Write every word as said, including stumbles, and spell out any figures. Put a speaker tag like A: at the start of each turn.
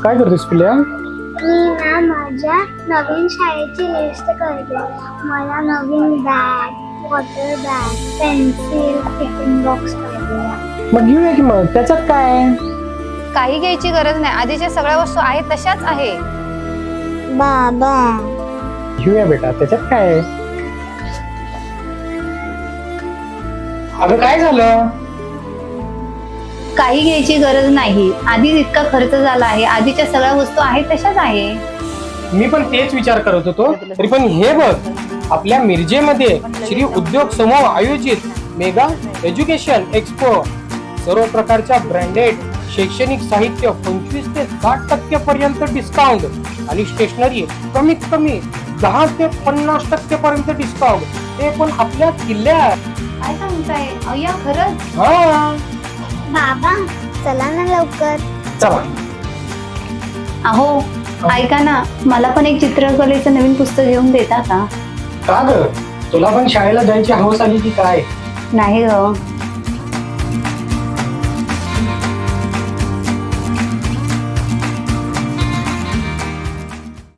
A: काय करतेस पिल्या?
B: मी ना माझ्या नवीन शाळेची लिस्ट करते. मला नवीन bag, water bag, pencil, tiffin box पाहिजे.
A: मग घेऊया की मग, त्याच्यात काय आहे?
C: काही घ्यायची गरज नाही, आधीच्या सगळ्या वस्तू आहेत तशाच आहे.
B: बाबा
A: घेऊया बेटा, त्याच्यात काय आहे? अगं काय झालं?
C: काही घ्यायची गरज नाही, आधीच इतका खर्च झाला आहे, आधीच्या सगळ्या वस्तू आहेत तशाच आहे.
A: मी पण तेच विचार करत होतो. तरी पण हे बघ, आपल्या मिरजेमध्ये श्री उद्योग समूह आयोजित मेगा एज्युकेशन एक्सपो, सर्व प्रकारच्या ब्रँडेड शैक्षणिक साहित्य पंचवीस ते साठ टक्के पर्यंत डिस्काउंट आणि स्टेशनरी कमीत कमी दहा ते पन्नास टक्के पर्यंत डिस्काउंट, ते पण आपल्या किल्ल्यात.
C: काय सांगताय अय्या, खरंच?
A: हा
B: बाबा चला ना लवकर.
A: चला.
C: अहो ऐका ना, मला पण एक चित्रकलेचं नवीन पुस्तक घेऊन देता का?
A: का ग, तुला पण शाळेला जायची हौस आली की काय?
C: नाही ग,